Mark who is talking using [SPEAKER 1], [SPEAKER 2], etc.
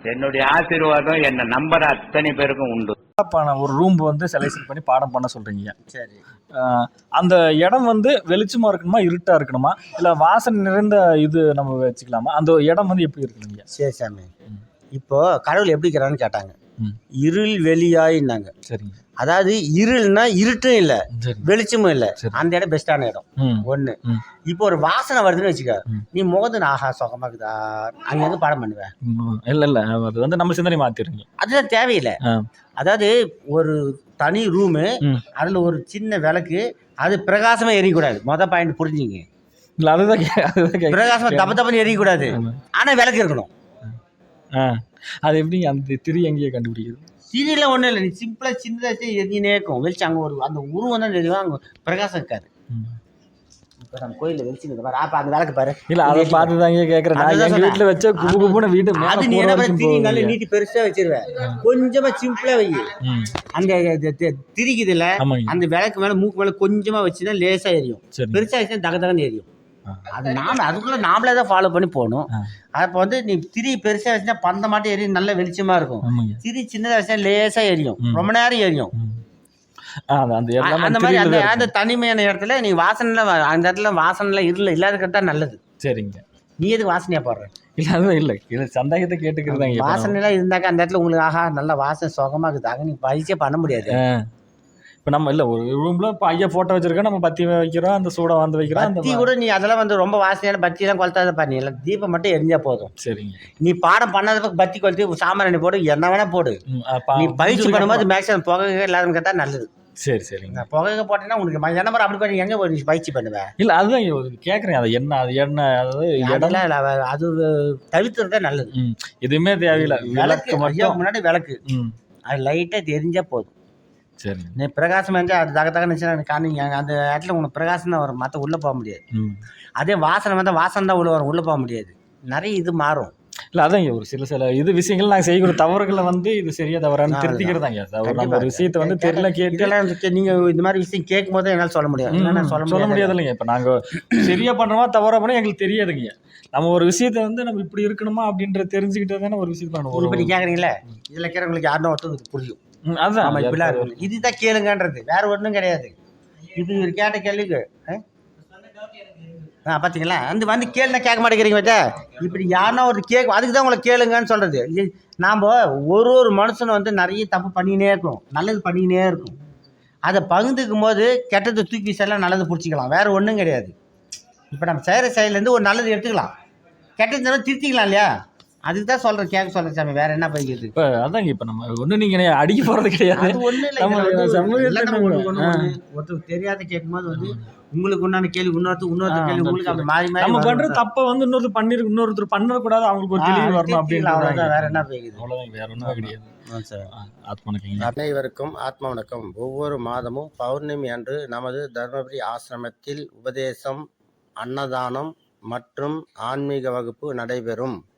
[SPEAKER 1] என்னுடைய ஆசீர்வாதம் என்ன நம்பர் அத்தனை பேருக்கும் உண்டு.
[SPEAKER 2] ஒரு ரூம் வந்து செலக்ஷன் பண்ணி பாடம் பண்ண சொல்றீங்க.
[SPEAKER 3] சரி.
[SPEAKER 2] அந்த இடம் வந்து வெளிச்சமா இருக்கணுமா, இருட்டா இருக்கணுமா, இல்ல வாசனை நிறைந்த இது நம்ம வச்சுக்கலாமா? அந்த இடம் வந்து எப்படி இருக்கணுங்க?
[SPEAKER 3] சரி சாமி. இப்போ கடவுள் எப்படி இருக்கிறான்னு கேட்டாங்க. இருள் வெளியாயின்னாங்க.
[SPEAKER 2] சரிங்க.
[SPEAKER 3] அதாவது இருள்னா இருட்டும் இல்லை, வெளிச்சமும் இல்லை, அந்த இடம் பெஸ்டான இடம். ஒன்று. இப்போ ஒரு வாசனை வருதுன்னு வச்சுக்க, நீ முகத்து ஆஹா சுகமா இருக்குதா, அங்க வந்து பாடம் பண்ணுவேன்.
[SPEAKER 2] இல்ல இல்ல, அது வந்து நம்ம சிந்தனை மாத்திருங்க.
[SPEAKER 3] அதுதான் தேவையில்லை. அதாவது ஒரு தனி ரூமு, அதுல ஒரு சின்ன விளக்கு, அது பிரகாசமா எரியக்கூடாது. பாயிண்ட் புரிஞ்சுங்க.
[SPEAKER 2] இல்ல அதுதான்
[SPEAKER 3] பிரகாசமா தப்ப தப்பன்னு எரியக்கூடாது, ஆனா விளக்கு இருக்கணும்.
[SPEAKER 2] அது எப்படி அந்த திரி எங்கேயே கண்டுபிடிக்குது?
[SPEAKER 3] திரியெல்லாம் ஒன்றும் இல்லை, நீ சிம்பிளாக சின்னதாக எரிஞ்சினே இருக்கும். வெளிச்சு அங்கே ஒரு அந்த உருவம் தான் தெரியும், அங்கே பிரகாசம் இருக்காது. இப்போ நம்ம கோயிலில் வெளிச்சு பாரு, அப்போ அந்த விளக்கு பாரு.
[SPEAKER 2] இல்லை அதை பார்த்து தாங்க கேட்குறேன். எங்கள் வீட்டில் வச்ச குபு குபுன்னு வீட்டு
[SPEAKER 3] அது நீ என்ன திரி நல்ல நீட்டி பெருசாக வச்சிருவேன், கொஞ்சமாக சிம்பிளாக வை. அந்த திரிக்குது இல்லை, அந்த விளக்கு மேலே மூக்கு மேலே கொஞ்சமாக வச்சுதான் லேசாக எரியும். பெருசாக வச்சுன்னா தக தகன்னு எரியும். அது அதுக்குள்ள நாமளே தான் ஃபாலோ பண்ணி போகணும். அப்போ வந்து நீ திரி பெருசா வச்சுன்னா பந்த மாட்டம் எரியும், நல்ல வெளிச்சமா இருக்கும். திரி சின்னதா வச்சா லேசா எரியும், ரொம்ப நேரம் எரியும். அந்த மாதிரி அந்த தனிமையான இடத்துல நீ வாசனை, அந்த இடத்துல வாசனை இல்லாத நல்லது. சரிங்க. நீ எதுக்கு வாசனையா போடுற?
[SPEAKER 2] இல்ல அதுதான் இல்லை, இல்லை சந்தேகத்தை கேட்டுக்கிறதாங்க.
[SPEAKER 3] வாசனை எல்லாம் இருந்தாக்க அந்த இடத்துல உங்களுக்கு ஆஹா நல்ல வாசனை சுகமா இருக்குதாக நீ பயிற்சியே பண்ண முடியாது.
[SPEAKER 2] இப்போ நம்ம இல்லை ஒரு ரூமில் இப்போ ஐயா ஃபோட்டோ வச்சுருக்கோம், நம்ம பத்தி வைக்கிறோம், அந்த சூடை வந்து வைக்கிறோம்.
[SPEAKER 3] பத்தி கூட நீ அதெல்லாம் வந்து ரொம்ப வாசனையான பத்தியெல்லாம் கொளுத்தாத பண்ணி இல்லை, தீபம் மட்டும் எரிஞ்சா போதும்.
[SPEAKER 2] சரிங்க.
[SPEAKER 3] நீ பாடம் பண்ணாத பத்தி கொளுத்தி சாமான் போடு, என்ன வேணா போடு. நீ பயிற்சி பண்ணும்போது மேக்ஸிமம் புகை இல்லாத கேட்டால் நல்லது.
[SPEAKER 2] சரி சரிங்க.
[SPEAKER 3] புகை போட்டேன்னா உனக்கு என்ன மாதிரி அப்படி பண்ணி எங்கே ஒரு பயிற்சி பண்ணுவேன்?
[SPEAKER 2] இல்லை அதுதான் கேட்குறேன். அது என்ன, அது என்ன, அதாவது
[SPEAKER 3] இடம்லாம் அது தவிர்த்துறதா நல்லது.
[SPEAKER 2] எதுவுமே தேவையில்லை, விளக்கு மட்டும்
[SPEAKER 3] முன்னாடி விளக்கு அது லைட்டாக தெரிஞ்சா போதும்.
[SPEAKER 2] சரி.
[SPEAKER 3] நீ பிரகாசம் இருந்தால் அது தக தகன்னு காணிங்க, அந்த இடத்துல உனக்கு பிரகாசம் தான் வரும், மற்ற உள்ளே போக முடியாது. அதே வாசனை வந்தால் வாசனை தான் உள்ள வரும், உள்ளே போக முடியாது. நிறைய இது மாறும்.
[SPEAKER 2] இல்லை அதான் ஒரு சில இது விஷயங்கள் நாங்கள் செய்யக்கூடிய தவறுகளை வந்து இது சரியா தவறான்னு திருத்திக்கிறதாங்க. நம்ம ஒரு விஷயத்தை வந்து தெரியல கேட்டு
[SPEAKER 3] நீங்கள் இந்த மாதிரி விஷயம் கேட்கும் போது என்னால் சொல்ல முடியாது,
[SPEAKER 2] சொல்ல முடியாது இல்லைங்க. இப்போ நாங்கள் சரியா பண்ணுறோமா தவறா பண்ணால் எங்களுக்கு தெரியாதுங்க. நம்ம ஒரு விஷயத்த வந்து நம்ம இப்படி இருக்கணுமா அப்படின்ற தெரிஞ்சுக்கிட்டே தானே ஒரு விஷயத்தை பண்ணுவோம்.
[SPEAKER 3] இப்படி கேட்குறீங்களே, இதில் இருக்கிறவங்களுக்கு யாருன்னா ஒருத்தருக்கு புரியும். அதுதான் இப்படிலாம் இதுதான் கேளுங்கன்றது, வேற ஒன்றும் கிடையாது. இப்படி ஒரு கேட்ட கேள்விக்கு பார்த்தீங்களா, அந்த வந்து கேளுனா கேட்க மாட்டேங்கிறீங்க. வச்சா இப்படி யாருன்னா ஒரு அதுக்கு தான் உங்களை கேளுங்கன்னு சொல்றது. நாம் ஒரு மனுஷனை வந்து நிறைய தப்பு பண்ணினே இருக்கும், நல்லது பண்ணினே இருக்கும். அதை பகிர்ந்துக்கும் போது கெட்டதை தூக்கி வீசலாம், நல்லது பிடிச்சிக்கலாம், வேற ஒன்றும் கிடையாது. இப்போ நம்ம செய்கிற செயலேருந்து ஒரு நல்லது எடுத்துக்கலாம், கெட்டது திருத்திக்கலாம் இல்லையா? அதுக்கு தான் சொல்கிறேன், கேட்க சொல்கிறேன் சாமி, வேற என்ன பண்ணிக்கிறது?
[SPEAKER 2] இப்போ அதாங்க இப்போ நம்ம ஒன்றும் நீங்கள் அடிக்க போகிறது கிடையாது.
[SPEAKER 3] அது ஒன்றும் இல்லை. ஒருத்தர் தெரியாத கேட்கும்போது வந்து உங்களுக்கு உண்டான கேள்வி இன்னொருத்தர் கேள்வி உங்களுக்கு அப்படி மாறி மாறி
[SPEAKER 2] நம்ம பண்ணுற தப்பை வந்து இன்னொருத்தர் பண்ணக்கூடாது, அவங்களுக்கு ஒரு தெளிவு வரணும் அப்படின்னு.
[SPEAKER 3] வேற என்ன போய்க்குது?
[SPEAKER 2] அவ்வளோதான், வேற ஒன்றும் கிடையாது.
[SPEAKER 3] அனைவருக்கும் ஆத்ம வணக்கம். ஒவ்வொரு மாதமும் பௌர்ணமி அன்று நமது தர்மபுரி ஆசிரமத்தில் உபதேசம், அன்னதானம் மற்றும் ஆன்மீக வகுப்பு நடைபெறும்.